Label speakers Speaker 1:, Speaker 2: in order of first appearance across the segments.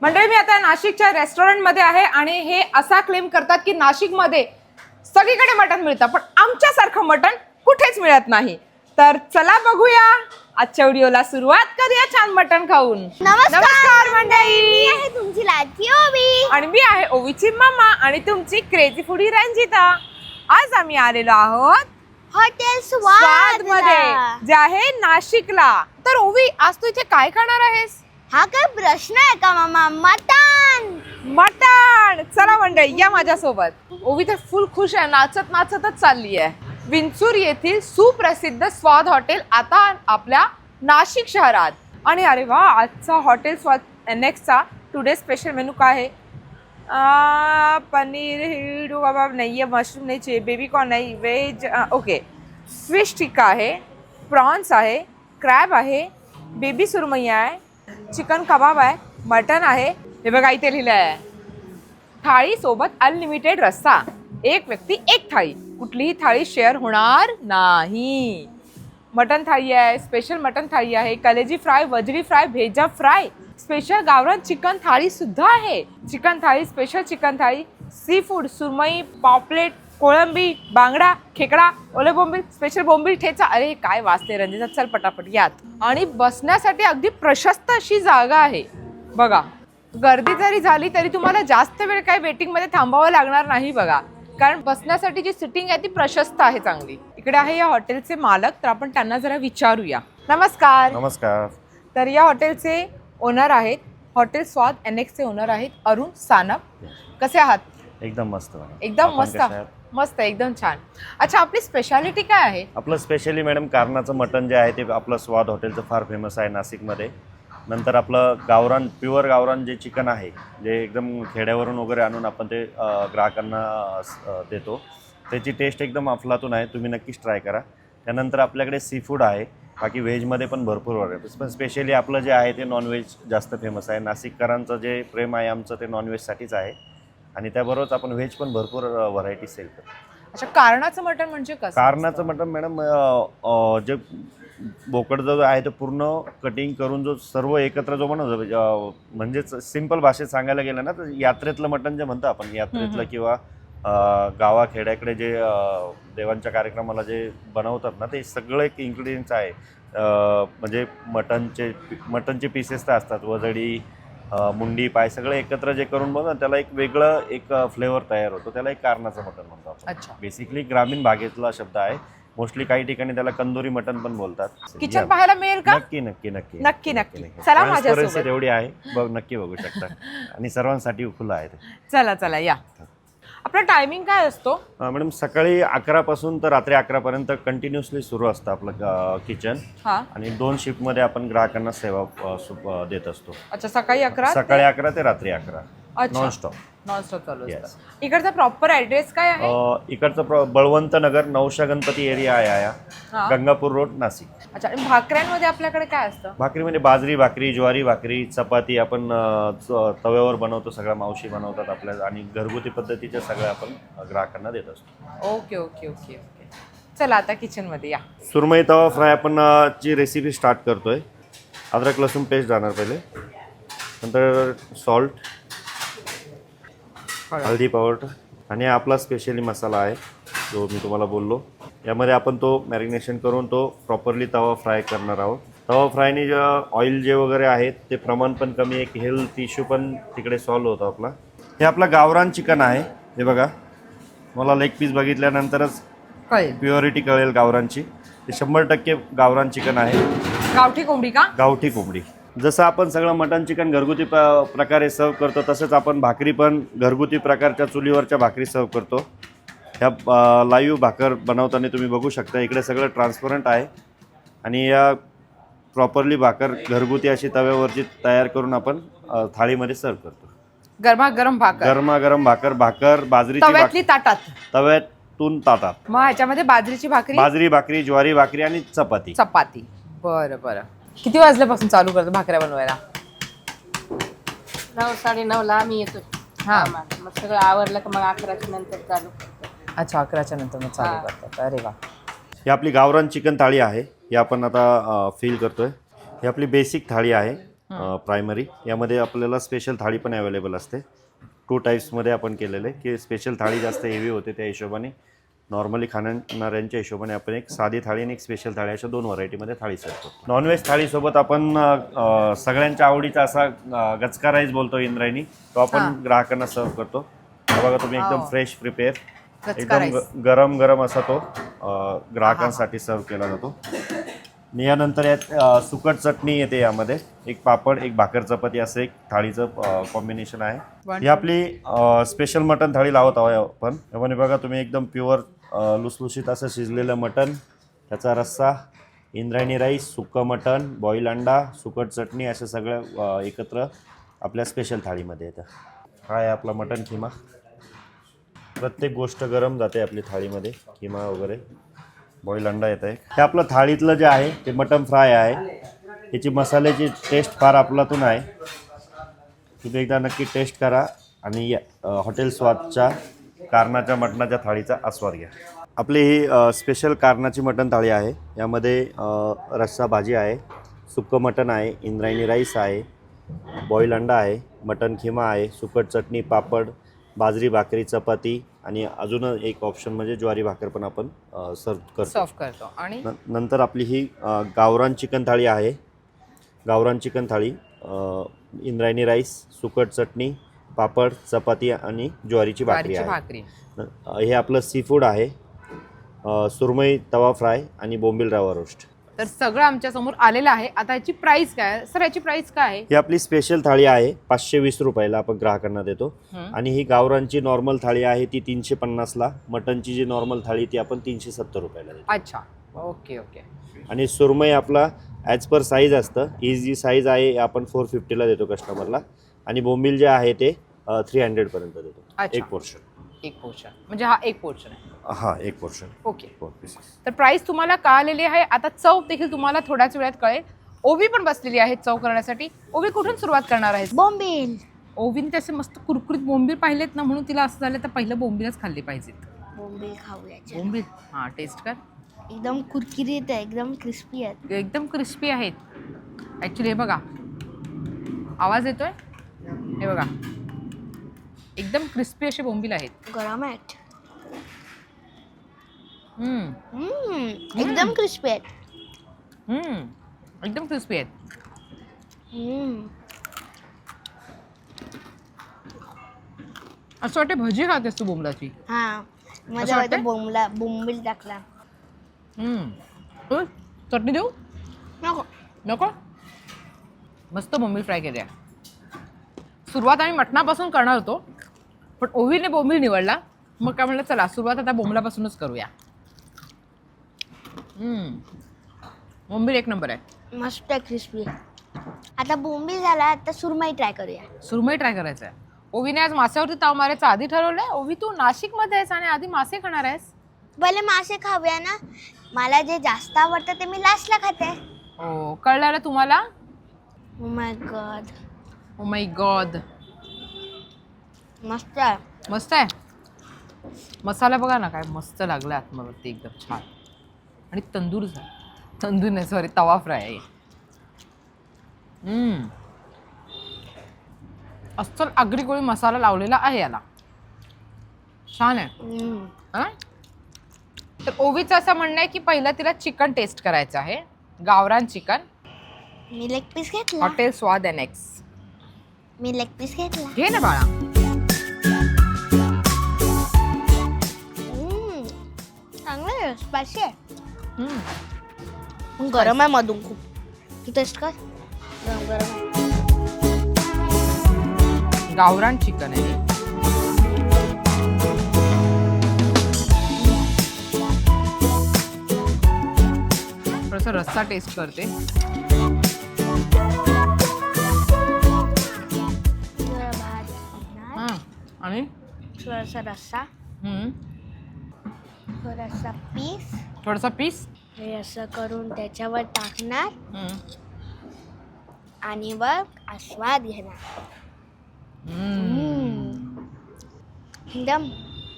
Speaker 1: मंडळी मी आता नाशिकच्या रेस्टॉरंटमध्ये आहे आणि हे असा क्लेम करतात की नाशिकमध्ये सगळीकडे मटण मिळतं पण आमच्यासारखं मटण कुठेच मिळत नाही. तर चला बघूया आजच्या व्हिडिओला सुरुवात करूया छान मटण खाऊन. नमस्कार मंडळी,
Speaker 2: मी आहे तुमची लाडकी ओवी
Speaker 1: आणि मी आहे ओवीची मम्मा आणि तुमची क्रेझी फूडी रंजिता. आज आम्ही आलेलो आहोत
Speaker 2: हॉटेल
Speaker 1: स्वाद
Speaker 2: स्वाद
Speaker 1: मध्ये जे आहे नाशिकला. तर ओवी आज तू इथे काय खाणार आहेस?
Speaker 2: हा काय प्रश्न आहे का मामा? मटण.
Speaker 1: मटण. चला मंडळी या माझ्यासोबत. ओवी तर फुल खुश आहे, नाचत नाचतच चालली आहे. विंचूर येथील सुप्रसिद्ध स्वाद हॉटेल आता आपल्या नाशिक शहरात. आणि अरे वा, आजचा हॉटेल स्वाद NX चा टुडे स्पेशल मेनू काय आहे? पनीर हिडू कबाब नाही आहे, मशरूम नाही, बेबी कॉर्न नाही, व्हेज ओके, फिश टिक्का आहे, प्रॉन्स आहे, क्रॅब आहे, बेबी सुरमई आहे, चिकन कबाब आहे, मटन आहे. हे बघा इथे लिहिलं आहे थाळी सोबत अनलिमिटेड रस्सा, एक व्यक्ती एक थाळी, कुठलीही थाळी शेअर होणार नाही. मटन थाळी आहे, स्पेशल मटन थाळी आहे, कलेजी फ्राय, वजरी फ्राय, भेजा फ्राय, स्पेशल गावरान चिकन थाळी सुद्धा आहे, chicken thali, special chicken thali, seafood, सुरमई, पॉपलेट, कोळंबी, बांगडा, खेकडा, ओले बोंबील, स्पेशल बोंबील ठेचा. अरे काय वाचते रंजिता, चल पटापट यात. आणि बसण्यासाठी अगदी प्रशस्त अशी जागा आहे बघा. गर्दी जरी झाली तरी तुम्हाला जास्त वेळ काही वेटिंगमध्ये थांबावं लागणार नाही बघा, कारण बसण्यासाठी जी सिटिंग आहे ती प्रशस्त आहे चांगली. इकडे आहे या हॉटेलचे मालक, तर आपण त्यांना जरा विचारूया. नमस्कार.
Speaker 3: नमस्कार.
Speaker 1: तर या हॉटेलचे ओनर आहेत, हॉटेल स्वाद NX चे ओनर आहेत अरुण सानप. कसे आहात?
Speaker 3: एकदम मस्त.
Speaker 1: एकदम
Speaker 3: आपण
Speaker 1: मस्त.
Speaker 3: कशा आहात?
Speaker 1: मस्त, एकदम छान. अच्छा, आपली स्पेशालिटी काय आहे?
Speaker 3: आपलं स्पेशली मॅडम कारणाचं मटण जे आहे ते आपलं स्वाद हॉटेलचं फार फेमस आहे नाशिकमध्ये. नंतर आपलं गावरान, प्युअर गावरान जे चिकन आहे, जे एकदम खेड्यावरून वगैरे आणून आपण ते ग्राहकांना देतो, त्याची टेस्ट एकदम अफलातून आहे. तुम्ही नक्कीच ट्राय करा. त्यानंतर आपल्याकडे सी फूड आहे, बाकी व्हेजमध्ये पण भरपूर व्हरायटीज, पण स्पेशली आपलं जे आहे ते नॉनव्हेज जास्त फेमस आहे. नाशिककरांचं जे प्रेम आहे आमचं ते नॉनव्हेजसाठीच आहे, आणि त्याबरोबरच आपण व्हेज पण भरपूर व्हरायटी सेल करतो.
Speaker 1: अच्छा, कारणाचं मटण म्हणजे कसं?
Speaker 3: कारणाचं मटण मॅडम जे बोकड जो आहे तो पूर्ण कटिंग करून जो सर्व एकत्र जो बनवतो, म्हणजेच सिंपल भाषेत सांगायला गेलं ना तर यात्रेतलं मटण जे म्हणतो आपण, यात्रेतलं किंवा गावाखेड्याकडे जे देवांच्या कार्यक्रमाला जे बनवतात ना, ते सगळं एक इन्ग्रेडियंट्स आहे. म्हणजे मटणचे पीसेस तर असतात, वजडी, मुंडी, पाय सगळं एकत्र जे करून बनवतात त्याला एक वेगळं एक फ्लेवर तयार होतो. त्याला एक कारणाचं मटण म्हणतो आपण.
Speaker 1: अच्छा,
Speaker 3: बेसिकली ग्रामीण भागेतला शब्द आहे. मोस्टली काही ठिकाणी त्याला कंदोरी मटण पण बोलतात.
Speaker 1: किचन पाहायला मिळेल का?
Speaker 3: नक्की नक्की नक्की
Speaker 1: नक्की नक्की. चला माझ्यासोबत.
Speaker 3: Transparency एवढी आहे, नक्की बघू शकता. आणि सर्वांसाठी खुलं आहे ते.
Speaker 1: चला चला या. आपला टायमिंग काय असतो?
Speaker 3: मॅडम सकाळी 11 पासून तर रात्री 11 पर्यंत कंटिन्युअसली सुरू असतं आपलं किचन. आणि 2 शिफ्टमध्ये आपण ग्राहकांना सेवा देत असतो.
Speaker 1: अच्छा, सकाळी 11,
Speaker 3: सकाळी 11 ते रात्री 11 नॉनस्टॉप
Speaker 1: चालू असतं. इकडचा प्रॉपर ऍड्रेस काय आहे?
Speaker 3: इकडचं बळवंत नगर, नवशा गणपती एरिया आहे, गंगापूर रोड, नाशिक.
Speaker 1: अच्छा, आणि भाकऱ्यांमध्ये आपल्याकडे काय असतं?
Speaker 3: भाकरीमध्ये बाजरी भाकरी, ज्वारी भाकरी, चपाती आपण तव्यावर बनवतो, सगळ्या मावशी बनवतात आपल्या, आणि घरगुती पद्धतीच्या सगळ्या आपण ग्राहकांना देत असतो.
Speaker 1: Okay okay okay okay. चला आता किचन मध्ये या.
Speaker 3: सुरमई तवा फ्राय आपण ची रेसिपी स्टार्ट करतोय. अद्रक लसूण पेस्ट जाणार पहिले, नंतर सॉल्ट, हळदी पावडर, आणि आपला स्पेशली मसाला आहे जो मी तुम्हाला बोललो. यामध्ये आपण तो मॅरिनेशन करून तो प्रॉपरली तवा फ्राय करणार आहोत. तवा फ्रायने जे ऑइल जे वगैरे आहेत ते प्रमाण पण कमी, एक हेल्थ इश्यू पण तिकडे सॉल्व होतो आपला. हे आपलं गावरान चिकन आहे. हे बघा, मला लेग पीस बघितल्यानंतरच प्युअरिटी कळेल गावरानची. ते 100% गावरान चिकन आहे.
Speaker 1: गावठी कोंबडी का? गावठी
Speaker 3: कोंबडी. जसं आपण सगळं मटन चिकन घरगुती प्रकारे सर्व करतो, तसंच आपण भाकरी पण घरगुती प्रकारच्या चुलीवरच्या भाकरी सर्व करतो. ह्या लाईव्ह भाकर बनवताना तुम्ही बघू शकता, इकडे सगळं ट्रान्सपरंट आहे. आणि या प्रॉपरली भाकर घरगुती अशी तव्यावरची तयार करून आपण थाळीमध्ये सर्व करतो.
Speaker 1: गरमागरम भाकर.
Speaker 3: भाकर बाजरीची भाकरी तव्यातून ताटात.
Speaker 1: मग ह्याच्यामध्ये बाजरीची
Speaker 3: भाकरी, ज्वारी भाकरी आणि चपाती.
Speaker 1: बरं बरं. किती वाजल्यापासून चालू करतो भाकऱ्या बनवायला?
Speaker 4: 9 साडेनऊ ला आम्ही येतो. मग सगळं आवरलं का मग 11च्या नंतर चालू करतो.
Speaker 1: अच्छा, 11च्या नंतर मग चालू करतात. अरे वा.
Speaker 3: ही आपली गावरान चिकन थाळी आहे. ही आपण आता फील करतोय. ही आपली बेसिक थाळी आहे. प्रायमरी. यामध्ये आपल्याला स्पेशल थाळी पण अवेलेबल असते. 2 टाईप्समध्ये आपण केलेलं आहे की स्पेशल थाळी जास्त हेवी होते त्या हिशोबाने, नॉर्मली खाणाऱ्यांच्या हिशोबाने आपण एक साधी थाळी आणि एक स्पेशल थाळी अशा 2 व्हरायटीमध्ये थाळी सर्व करतो. नॉनव्हेज थाळीसोबत आपण सगळ्यांच्या आवडीचा असा गचका राईस बोलतो इंद्रायणी, तो आपण ग्राहकांना सर्व करतो. हा बघा तुम्ही एकदम फ्रेश प्रिपेअर, एकदम गरम गरम असा तो ग्राहकांसाठी सर्व केला जातो. आणि यानंतर यात सुकट चटणी येते, यामध्ये एक पापड, एक भाकर चपाती असं एक थाळीचं कॉम्बिनेशन आहे. ही आपली स्पेशल मटन थाळी लावत आहोत आपण. यामध्ये बघा तुम्ही एकदम प्युअर लुसलुशीत असं शिजलेलं मटन, त्याचा रस्सा, इंद्रायणी राईस, सुक्कं मटन, बॉईल अंडा, सुकट चटणी अशा सगळ्या एकत्र आपल्या स्पेशल थाळीमध्ये येतं. हा आहे आपला मटन किमा. प्रत्येक गोष्ट गरम जाते आपली थाळीमध्ये, किमा वगैरे, बॉईल अंडा येत आहे. हे आपलं थाळीतलं जे आहे ते मटन फ्राय आहे. याची मसाल्याची टेस्ट फार अफलातून आहे. तुम्ही एकदा नक्की टेस्ट करा आणि हॉटेल स्वादच्या कारणाच्या मटणाच्या थाळीचा आस्वाद घ्या. आपली ही स्पेशल कारणाची मटण थाळी आहे. यामध्ये रस्सा भाजी आहे, सुक्कं मटण आहे, इंद्रायणी राईस आहे, बॉईल अंडा आहे, मटन खिमा आहे, सुकट चटणी, पापड, बाजरी भाकरी, चपाती आणि अजून एक ऑप्शन म्हणजे ज्वारी भाकर पण आपण सर्व करतो. आणि नंतर आपली ही गावरान चिकन थाळी आहे. गावरान चिकन थाळी, इंद्रायणी राईस, सुकट चटणी, पापड, चपाती आणि ज्वारीची भाकरी आहे. हे आपलं सी फूड आहे, सुरमई तवा फ्राय आणि बोंबील रवा रोस्ट.
Speaker 1: तर सगळं आमच्या समोर आलेलं आहे. आता याची प्राइस काय सर? याची प्राइस काय आहे?
Speaker 3: ही आपली स्पेशल थाळी आहे, 520 रुपयाला आपण ग्राहकांना देतो. आणि ही गावरांची नॉर्मल थाळी आहे ती 350ला. मटनची जी नॉर्मल थाळी ती आपण 370 रुपयाला देतो.
Speaker 1: अच्छा, ओके ओके.
Speaker 3: आणि सुरमई आपला ॲज पर साईज असतं. ही जी साईज आहे आपण 450ला देतो कस्टमरला. आणि बोंबील जे आहे ते 300 पर्यंत देतो. एक पोर्शन
Speaker 1: म्हणजे हा एक पोर्शन आहे.
Speaker 3: हा, एक पोर्शन.
Speaker 1: ओके. तर प्राइस तुम्हाला कळलेली आहे. आता चव देखील तुम्हाला थोड्याच वेळात कळेल. ओवी पण बसलेली आहे चव करण्यासाठी. ओवी कुठून सुरुवात करणार आहे?
Speaker 2: बोंबील.
Speaker 1: ओवीने त्याचे मस्त कुरकुरीत बोंबील पाहिलेत ना, म्हणून तिला असं झालं तर पहिलं बोंबीलच खाल्ली पाहिजेत.
Speaker 2: बोंबील खाऊया.
Speaker 1: बोंबील, हा टेस्ट कर.
Speaker 2: एकदम कुरकुरीत आहे, एकदम क्रिस्पी आहे.
Speaker 1: एकदम क्रिस्पी आहेत ॲक्च्युली. हे बघा, आवाज येतोय, हे बघा, एकदम क्रिस्पी असे बोंबील आहेत.
Speaker 2: गरम आहेत. एकदम क्रिस्पी आहेत.
Speaker 1: एकदम क्रिस्पी आहेत. असं वाटतं भजी खातेस तू बोंबलाची.
Speaker 2: हा, माझ्या वाटतं बोंबील टाकला.
Speaker 1: चटणी देऊ?
Speaker 2: नको
Speaker 1: नको. मस्त बोंबील फ्राय केल्या. सुरुवात आम्ही मटणापासून करणार होतो, पण ओवीने बोंबील निवडला. मग काय म्हणलं, चला सुरुवात आता बोंबलापासूनच करूया. बोंबील एक नंबर आहे,
Speaker 2: मस्त आहे, क्रिस्पी. आता बोंबील झाला, आता सुरमई ट्राय करूया.
Speaker 1: सुरमई ट्राय करायचं आहे. ओवीने आज माशावरती ताव मारायचं आधी ठरवलंय. ओवी, तू नाशिकमध्ये आहेस आणि आधी मासे खाणार आहेस?
Speaker 2: पहिले मासे खाऊया ना. मला जे जास्त आवडतं ते मी लास्टला खाते.
Speaker 1: हो, कळलं तुम्हाला?
Speaker 2: Oh my God.
Speaker 1: Oh my God.
Speaker 2: मस्त आहे.
Speaker 1: मस्त आहे. मसाला बघा ना, काय मस्त लागला आतमध्ये, एकदम छान. आणि तंदूर नाही, सॉरी, तवा फ्राय आहे. अस्सल आगरी कोळी मसाला लावलेला आहे याला. छान आहे. तर ओवीचं असं म्हणणं आहे की पहिलं तिला चिकन टेस्ट करायचं आहे, गावरान चिकन.
Speaker 2: मी लेग पीस घेतला.
Speaker 1: Hotel Swad NX.
Speaker 2: मी लेग पीस घेतला.
Speaker 1: घे ना बाळा.
Speaker 2: चांगलं आहे, स्पायसी आहे. गरम आहे मधून खूप. तू टेस्ट कर. गरम आहे.
Speaker 1: गावरान चिकन आहे. थोडासा रस्सा टेस्ट करते. आणि
Speaker 2: थोडासा रस्सा,
Speaker 1: थोडासा पीस
Speaker 2: हे असं करून त्याच्यावर टाकणार आणि वर आस्वाद घेणार. एकदम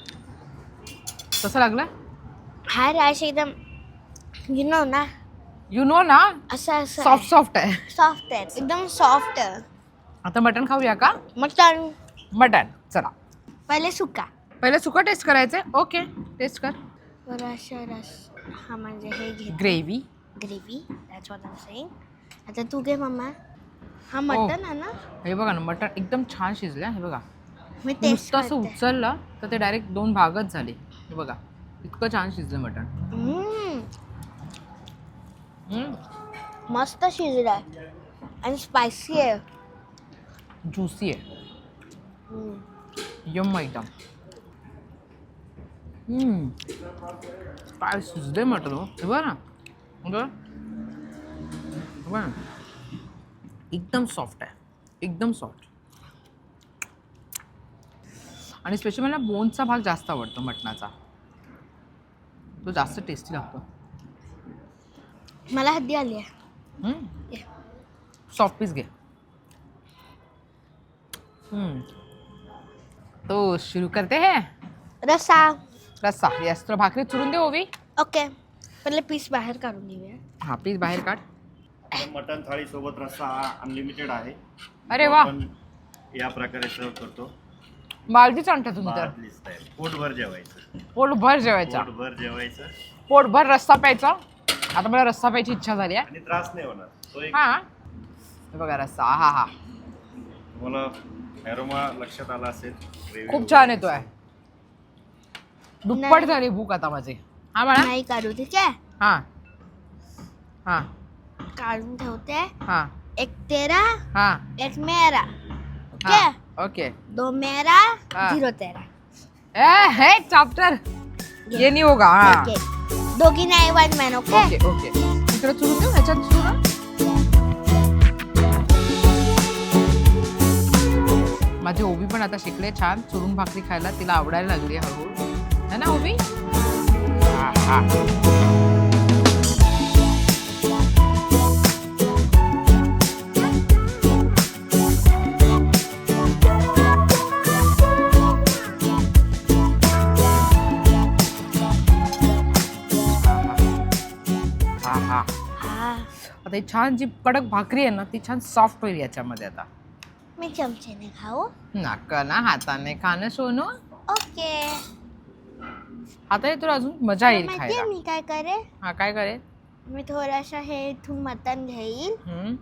Speaker 1: कसं लागला?
Speaker 2: हा राईस एकदम ना
Speaker 1: यू नो ना,
Speaker 2: असं असं
Speaker 1: सॉफ्ट सॉफ्ट आहे.
Speaker 2: सॉफ्ट आहे एकदम सॉफ्ट आहे.
Speaker 1: आता मटण खाऊया का?
Speaker 2: मटण
Speaker 1: मटण चला.
Speaker 2: पहिले सुका
Speaker 1: पहिले सुकं टेस्ट करायचंय. ओके टेस्ट कर.
Speaker 2: रस हा म्हणजे हे घे
Speaker 1: gravy.
Speaker 2: Gravy that's what I am saying. आता तू घे मम्मा. हा मटण आहे ना.
Speaker 1: हे बघा ना मटण एकदम छान शिजलं. हे बघा
Speaker 2: मी टेस्ट
Speaker 1: नुसतं असं उचललं तर ते डायरेक्ट 2 भागच झाले. हे बघा इतकं छान शिजलं मटण.
Speaker 2: मस्त शिजलाय आणि स्पायसी आहे.
Speaker 1: ज्युसी आहे. यम एकदम. काय शिजले मटण हो. हे बघा ना. बघा एकदम सॉफ्ट आहे. एकदम सॉफ्ट. आणि स्पेशली मला बोनचा भाग जास्त आवडतो मटणाचा. तो जास्त टेस्टी लागतो.
Speaker 2: मला हद्दी आली आहे.
Speaker 1: सॉफ्ट पीस घे. तो शुरू करते हैं.
Speaker 2: रस्सा.
Speaker 1: रस्सा. यस तर भाकरी चुरून दे ओवी.
Speaker 2: ओके पहिले पीस बाहेर काढून घेऊया.
Speaker 1: हा पीस बाहेर काढ.
Speaker 3: मटण थाळी सोबत रस्सा हा अनलिमिटेड आहे.
Speaker 1: अरे वा.
Speaker 3: आपण या प्रकारे सर्व करतो.
Speaker 1: बालदीच आणता तुम्ही तर.
Speaker 3: बादलीच आहे. पोटभर जेवायचं.
Speaker 1: पोटभर जेवायचा.
Speaker 3: पोटभर जेवायचं
Speaker 1: पोटभर रस्सा प्यायचा. आता मला रस्सा प्यायची इच्छा झाली आहे.
Speaker 3: आणि त्रास नाही होणार. तो एक
Speaker 1: हा हे बघा रस्सा. हा हा
Speaker 3: तुम्हाला ॲरोमा लक्षात आला असेल.
Speaker 1: खूप छान येतोय. दुप्पट झाली भूक आता माझी. हा बाळा.
Speaker 2: नाही काढू ठीक आहे.
Speaker 1: हा हा
Speaker 2: काढून ठेवते.
Speaker 1: हा
Speaker 2: एक तेरा
Speaker 1: हा
Speaker 2: एक मेरा. ओके
Speaker 1: हा. ओके.
Speaker 2: 2 मेरा
Speaker 1: हाँ.
Speaker 2: 0 तेरा.
Speaker 1: हे चॅप्टर ये नहीं होगा. हा
Speaker 2: ओके दोघी नाही 1 मॅन. Okay
Speaker 1: okay okay. इकडे चुरून देऊ ह्याच्यात चुरून. माझी ओवी पण आता शिकले छान चुरून भाकरी खायला. तिला आवडायला लागली हळूहळू. है ना ओवी. हा हा हा.
Speaker 2: हा
Speaker 1: आता ही छान जी कडक भाकरी आहे ना ती छान सॉफ्ट होईल याच्यामध्ये. आता
Speaker 2: मी चमचेने खाऊ.
Speaker 1: नाका ना हाताने खाणं सोनू.
Speaker 2: ओके
Speaker 1: हाताने तुला अजून मजा येईल
Speaker 2: माहितीये
Speaker 1: खायला.
Speaker 2: मी काय करे.
Speaker 1: हा काय करेल.
Speaker 2: मी थोडासा हे इथून मटण घेईल.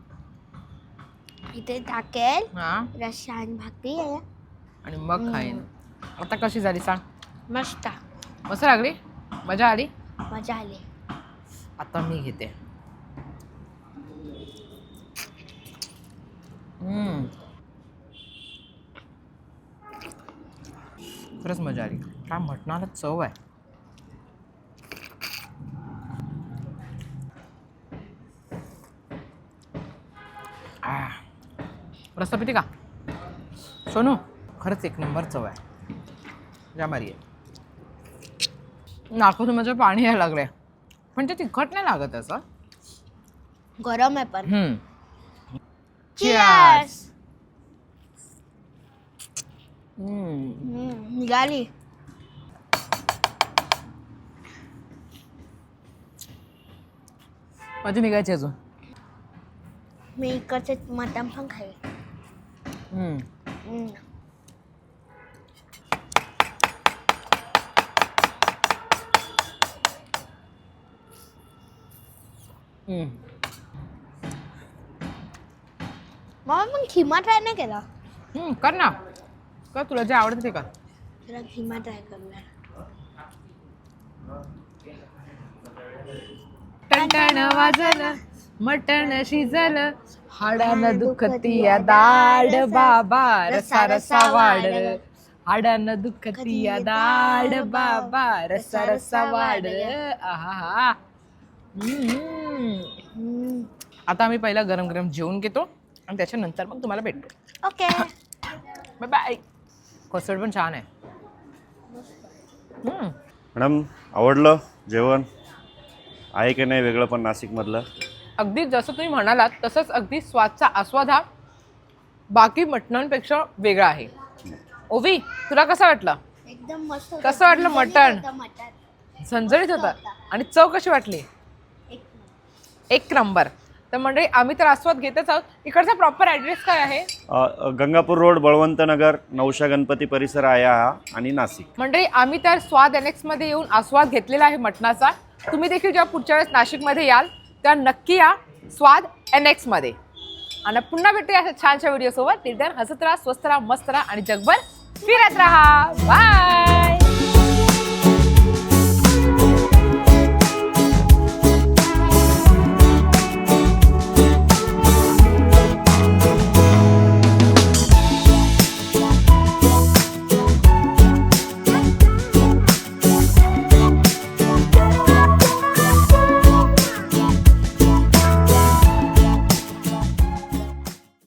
Speaker 2: इथे टाकेल
Speaker 1: हा
Speaker 2: रस्सा आणि भाकरी आहे.
Speaker 1: आणि मग खाईन. आता कशी झाली सांग.
Speaker 2: मस्त
Speaker 1: मस्त लागली. मजा आली.
Speaker 2: मजा आली.
Speaker 1: आता मी घेते. खरंच मजा आली. काय मटणाला चव आहे. रस्सा पिते का सोनू. खरंच एक नंबर चव आहे. जा मारी आहे. नाकातून माझं पाणी यायला लागलंय. पण ते तिखट नाही लागत असं.
Speaker 2: गरम आहे पण.
Speaker 1: Cheers.
Speaker 2: निघाली.
Speaker 1: माझी निघायची अजून.
Speaker 2: मी इकडचे मटण पण खाईल. मग मग खिमा ट्राय नाही केला.
Speaker 1: कर ना. कर तुला जे आवडतं ते कर.
Speaker 2: जरा खिमा ट्राय करूया.
Speaker 1: टणटण वाजलं मटण शिजलं हाडानं दुखतीया दाड बाबा रसा रसा वाढ. हाडानं दुखतीया दाड बाबा रसा रसा वाढ. आहा. आता आम्ही पहिला गरम गरम जेवून घेतो आणि त्याच्यानंतर मग तुम्हाला भेटतो.
Speaker 2: Okay
Speaker 1: bye bye. कस्टर्ड पण छान आहे.
Speaker 3: मॅडम आवडलं जेवण आहे की नाही वेगळं पण नाशिकमधलं.
Speaker 1: अगदी जसं तुम्ही म्हणालात तसंच अगदी स्वादचा आस्वाद हा बाकी मटणांपेक्षा वेगळा आहे. ओवी तुला कसं वाटलं.
Speaker 2: एकदम मस्त.
Speaker 1: कसं वाटलं मटण.
Speaker 2: मटण
Speaker 1: झणझणीत होतं. आणि चव कशी वाटली. एक नंबर. तर मंडळी आम्ही तर आस्वाद घेतच आहोत. इकडचा प्रॉपर ॲड्रेस काय आहे?
Speaker 3: गंगापूर रोड, बळवंत नगर, नवशा गणपती परिसर आहे हा, आणि नाशिक.
Speaker 1: मंडळी आम्ही तर स्वाद NX मध्ये येऊन आस्वाद घेतलेला आहे मटणाचा. तुम्ही देखील जेव्हा पुढच्या वेळेस नाशिकमध्ये याल तेव्हा नक्की या स्वाद NX मध्ये. आणि पुन्हा भेटूया अशा छानशा व्हिडिओ सोबत. तिथे हसत राहा, स्वस्त राहा, मस्त राहा आणि जगभर फिरत राहा. बाय.